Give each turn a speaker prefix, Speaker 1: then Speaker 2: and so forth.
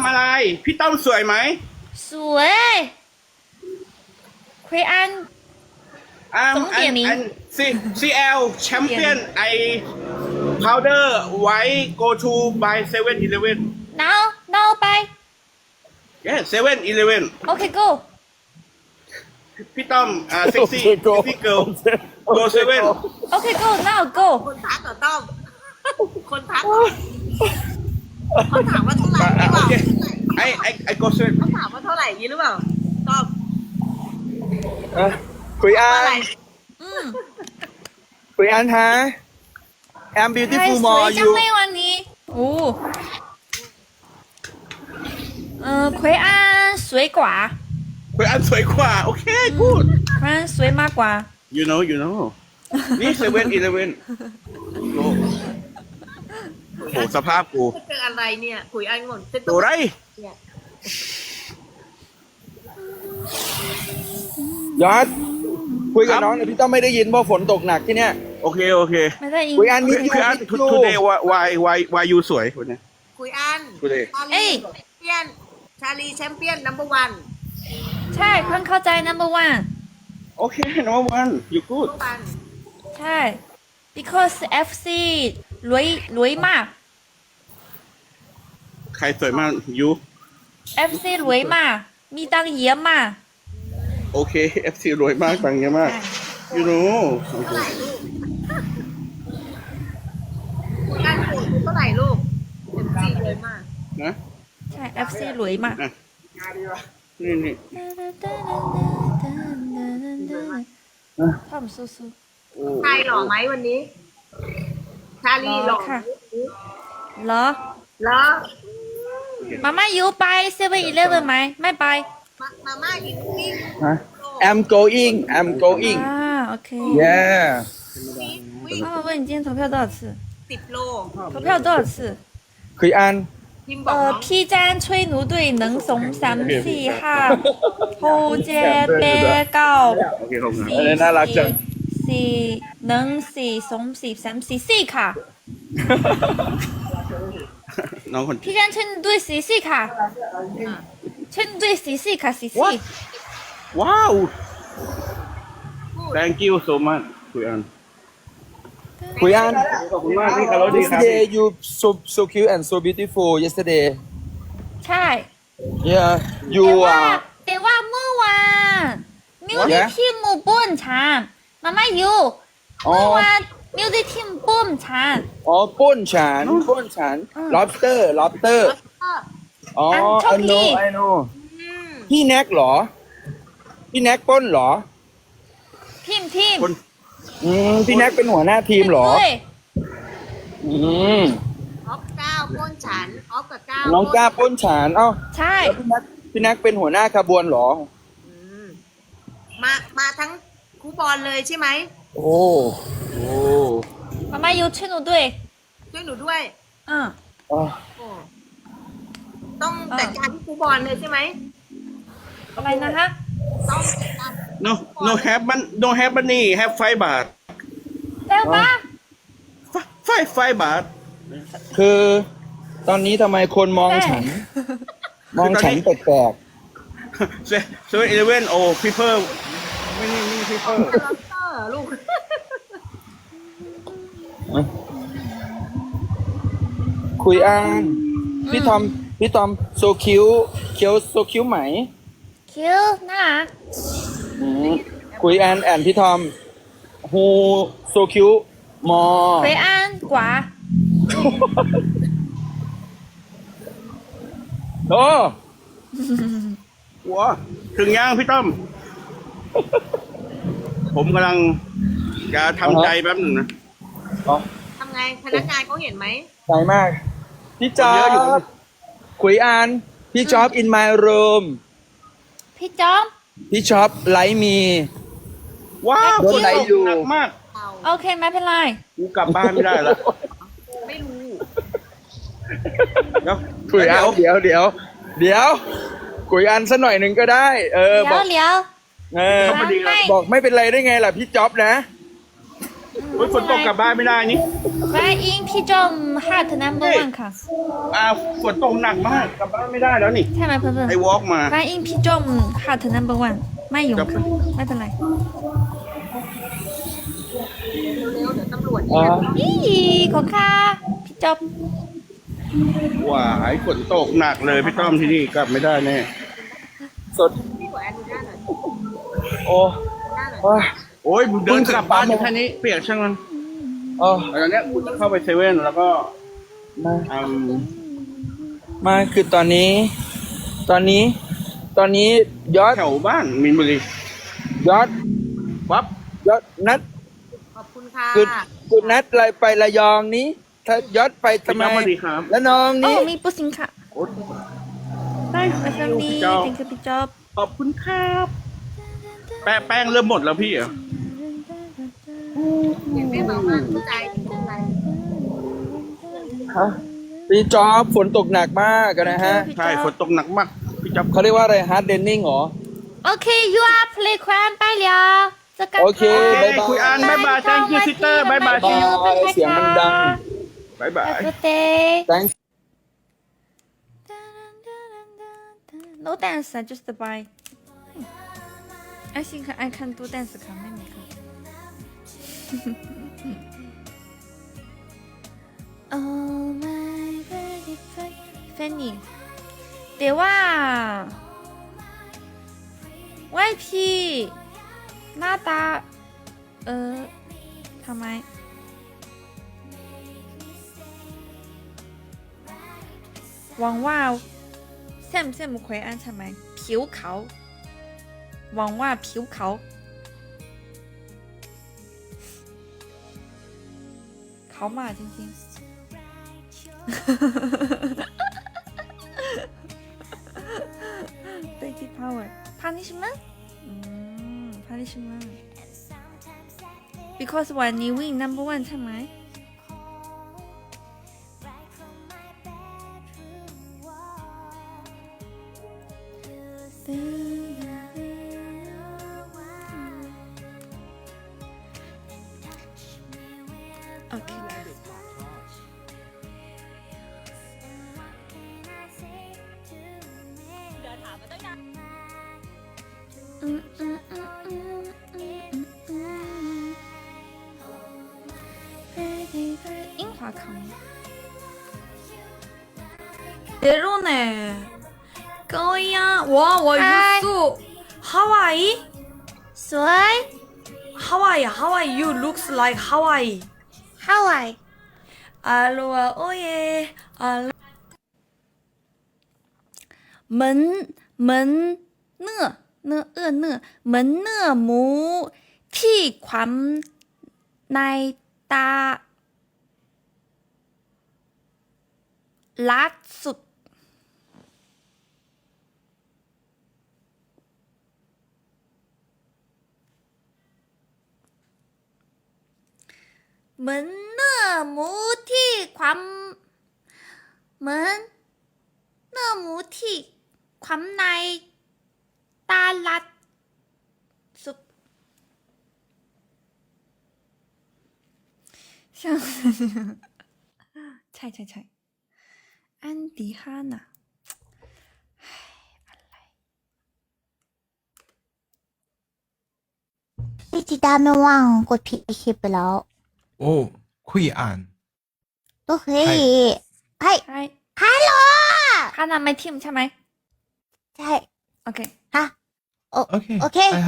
Speaker 1: อะไรพี่ต้อมสวยไหม
Speaker 2: สวย奎安
Speaker 1: 总
Speaker 2: 点名
Speaker 1: CL champion I powder white go to by 7-Eleven
Speaker 2: now bye
Speaker 1: yeah 7-Eleven
Speaker 2: okay go
Speaker 1: พี่ต้อมsexy girl go 7
Speaker 2: okay go now go
Speaker 3: คนทักเหรอต้อม คนทักเหรอเขาถามว่าเท่าไหร่หรือเปล่า
Speaker 1: I go 7
Speaker 3: เขาถามว่าเท่าไหร่อย่างนี้หรือเปล่าต้อม
Speaker 4: คุยอั
Speaker 3: อะไร
Speaker 4: นคุยอันฮะ I'm
Speaker 2: 太
Speaker 4: beautiful
Speaker 2: สวย
Speaker 4: more
Speaker 2: จัง
Speaker 4: you
Speaker 2: เลยวันนี้โอ้奎安水果
Speaker 1: คุยอันสวยกว่าโอเค good
Speaker 2: 奎安สวยมากกว่า
Speaker 1: you know นี่ 7-Eleven โอ้โหสภาพกู
Speaker 3: จะเจออะไรเนี่ยคุยอันงนจะ
Speaker 1: ตัวไร
Speaker 3: เนี่ย
Speaker 4: ยอดคุยกับน้องหน่อยพี่ต้องไม่ได้ยินเพราะฝนตกหนักที่เนี้ย
Speaker 1: โอเค
Speaker 2: ไม่ได้ยิน
Speaker 4: คุยอันมี
Speaker 1: คืออัน today why you สวยวันนี้
Speaker 3: คุยอัน
Speaker 1: today
Speaker 3: ชาลีแชมเปี้ยนชาลีแชมเปี้ยนนัมเบอร์วัน
Speaker 2: ใช่เพิ่งเข้าใจ number one
Speaker 1: โอเค number one you
Speaker 3: นัม
Speaker 1: good
Speaker 3: เบอร์วัน
Speaker 2: ใช่ because FC รวยมาก
Speaker 1: ใครสวยมาก you
Speaker 2: FC รวยมากมีตังค์เยอะมาก
Speaker 1: โอเค FC รวยมากตังค์เยอะมาก you know
Speaker 3: เท่าไหร่ลูกคุยอันโหดเท่าไหร่ลูกเต็มที่เลยมาก
Speaker 1: นะ
Speaker 2: ใช่ FC รวยมาก
Speaker 1: นะนี่
Speaker 2: ทำสู้
Speaker 1: โอ้
Speaker 3: ชายหล่อไหมวันนี้ ชาลีหล่อ
Speaker 2: ค่ะๆเหรอ
Speaker 3: เหรอ
Speaker 2: มาม่าอยู่ไป7-Elevenไหมไม่ไป
Speaker 3: มาม่ากินวิ่ง
Speaker 4: ฮะ I'm going
Speaker 2: อ่าโอเค
Speaker 4: yeah
Speaker 3: วิ่ง
Speaker 2: 妈妈问你今天投票多少次
Speaker 3: 10 โล
Speaker 2: 投票多少次
Speaker 4: คุยอัน
Speaker 3: พิมพ์บอกน้อง
Speaker 2: P 站吹奴队能怂3 4 5后街被告
Speaker 1: โอเคขอบคุณ
Speaker 4: เออน่ารักจัง
Speaker 2: 4能4怂4 3 4 4卡
Speaker 1: น้องคน
Speaker 2: P 站吹奴队4 4卡吹奴队4 4卡4 4
Speaker 1: ว้าว thank you so much คุยอัน
Speaker 4: คุยอัน
Speaker 1: ขอบคุณมากที่คารพดีครับ
Speaker 4: yesterday you so cute and so beautiful yesterday
Speaker 2: ใช่
Speaker 4: yeah you
Speaker 2: แต่ว่าเมื่อวานมิวสิกทีมบ่นฉันมาม่าอยู่
Speaker 4: อ๋อ
Speaker 2: เมื่อวานมิวสิกทีมบ่นฉัน
Speaker 4: อ๋อป้นฉัน lobster อ๋อ I know พี่แน็กเหรอ พี่แน็กปล้นเหรอ
Speaker 2: ทีม
Speaker 1: คน
Speaker 4: พี่แน็กเป็นหัวหน้าทีมเหรอ
Speaker 2: ด้วย
Speaker 4: อืม
Speaker 3: ออฟก้าวป้นฉันออฟกับก้าว
Speaker 4: น้องกล้าปล้นฉันเอ้า
Speaker 2: ใช่
Speaker 4: แล้วพี่แน็กเป็นหัวหน้าขบวนเหรอ
Speaker 3: อืมมาทั้งคูบอลเลยใช่ไหม
Speaker 4: โอ้
Speaker 2: มาม่าอยู่吹奴队
Speaker 3: ช่วยหนูด้วย
Speaker 2: 嗯
Speaker 4: อ่ะ
Speaker 3: โอ้ต้องจัดการที่คูบอลเลยใช่ไหม
Speaker 2: อะไรนะฮะ
Speaker 3: ต้องจัดการ
Speaker 1: no have no have money have 5 บาท
Speaker 2: แล้วปะ
Speaker 1: 5 บาท
Speaker 4: คือตอนนี้ทำไมคนมองฉัน มองฉันแปลก
Speaker 1: 7-Eleven โอ้ people ไม่นี่ people
Speaker 3: ล็อบสเตอร์ลูก
Speaker 4: ๆคุยอันพี่ทอมโซคิวเคียวโซคิวไหม
Speaker 2: คิวน่ารัก
Speaker 4: คุยอันแอนพี่ทอมฮูโซคิวมอ
Speaker 2: 奎安寡
Speaker 4: โอ้
Speaker 1: ว้าถึงยังพี่ต้อม ผมกำลังจะทำใจแป๊บหนึ่งนะ
Speaker 4: อ๋อ
Speaker 3: ทำไงพนักงานเขาเห็นไหม
Speaker 4: ใจมาก พี่จ๊อ
Speaker 1: เยอะอยู่
Speaker 4: บคุยอันพี่จ๊อบ in my room
Speaker 2: พี่จอม
Speaker 4: พี่ช็อปไลฟ์มี
Speaker 1: ว้าว
Speaker 4: โดนไหลอยู่
Speaker 1: หนักมาก
Speaker 3: เรา
Speaker 2: โอเคไม่เป็นไร
Speaker 1: กูกลับบ้านไม่ได้ละ
Speaker 3: ไม่รู้
Speaker 1: เดี๋ยว
Speaker 4: คุยอันเดี๋ยวคุยอันสักหน่อยหนึ่งก็ได้ บ
Speaker 2: เดี๋
Speaker 4: อย ก
Speaker 2: วเดี๋ยว
Speaker 4: เออ
Speaker 2: ไม่
Speaker 4: บอกไม่เป็นไรได้ไงล่ะพี่จ๊อบนะ
Speaker 1: โอ้ยฝนตกกลับบ้านไม่ได้นี่
Speaker 2: 欢迎พี่จอม Heart Number One ค่ะ
Speaker 1: ฝนตกหนักมากกลับบ้านไม่ได้แล้วนี่
Speaker 2: ใช่ไหมเพื่อน
Speaker 1: ไอ้วอล์กมา
Speaker 2: ๆ欢迎พี่จอม Heart Number One ไม่ยุ่งค่ะไม่เป็นไร
Speaker 3: เร็วๆเดี๋ยวตำรวจ
Speaker 4: อ๋อ
Speaker 2: นี่ของค่ะพี่จอม
Speaker 1: ว้ายฝนตกหนักเลยพี่ต้อมที่นี่กลับไม่ได้แน่
Speaker 4: สด
Speaker 3: พี่ขอแอนดูหน้าหน่อย
Speaker 4: โอ้
Speaker 3: หน้าหน่อย
Speaker 4: โอ้ย
Speaker 1: โอ้ยเดินกลับบ้านอยู่แค่นี้เปียกช่างมัน
Speaker 4: โอ้
Speaker 1: ตอนเนี้ยกูจะเข้าไปเซเว่นแล้วก็
Speaker 4: มา
Speaker 1: อืม
Speaker 4: มาคือตอนนี้ ยอด
Speaker 1: แถวบ้านมีนบุรี
Speaker 4: ยอด
Speaker 1: วับ
Speaker 4: ยอดนัด
Speaker 3: ขอบคุณค่ะ
Speaker 4: กุดนัดอะไรไประยองนี้ ถ้ายอดไปทำไม
Speaker 1: พี่ต้อมสวัสดีครับ
Speaker 4: แล้วน้อง
Speaker 2: โอ้
Speaker 4: นี่
Speaker 2: มีปุ๊สิงค่ะ
Speaker 1: โอ๊ย
Speaker 2: ได้ค่ะแฟมลี่
Speaker 1: เจ้า
Speaker 2: thank you พี่จอม
Speaker 1: ขอบคุณครับ แป้งเริ่มหมดแล้วพี่เหรอ
Speaker 3: เห็นไม่บอกว่าเข้าใจเข้าใจ
Speaker 4: ฮะพี่จอบฝนตกหนักมากอะนะฮะ
Speaker 1: ใช่ฝนตกหนักมากพี่จ๊อบ
Speaker 4: เขาเรียกว่าอะไรฮาร์ดเดนนิ่งเหรอ
Speaker 2: โอเค you are play ควันไปแล้วจะกัน
Speaker 4: โอเค
Speaker 1: โอเคคุยอันบ๊ายบาย thank you sister บ๊ายบาย
Speaker 4: บายเสียงมันดัง
Speaker 1: บ๊ายบาย
Speaker 2: Have a good day
Speaker 4: thank
Speaker 2: no dance just bye I think I can do dance ค่ะไม่มีค่ะ Oh my baby Fanny แต่ว่าว่ายพี่หน้าตาทำไมหวังว่าแซมคุยอันใช่ไหมผิวขาวหวังว่าผิวขาวเขามาจริงๆ Baby power punishment punishment because วันนี้ win number one ใช่ไหมโอเค樱花康别肉呢高呀我
Speaker 5: 嗨
Speaker 2: 素 Hawaii
Speaker 5: สวย
Speaker 2: Hawaii you looks like Hawaii
Speaker 5: ฮาวาย
Speaker 2: Aloha oye门呢门呢母ที่ความในตาล่าสุดเหมือนเนื้อหมูที่ความเหมือนเนื้อหมูที่ความในตาลัดสุด像ใช่安迪哈娜
Speaker 5: พี่จิตาไม่ว่างกดผิดคลิปไปแล้ว
Speaker 6: 哦，会按。
Speaker 5: ก็เฮ้ยให้
Speaker 2: ใช่
Speaker 5: ฮัลโหล
Speaker 2: ฮานาไม่ทิมใช่ไหม
Speaker 5: ใช่
Speaker 2: โอเค
Speaker 5: ฮะ
Speaker 6: OK，
Speaker 5: โอเค
Speaker 6: I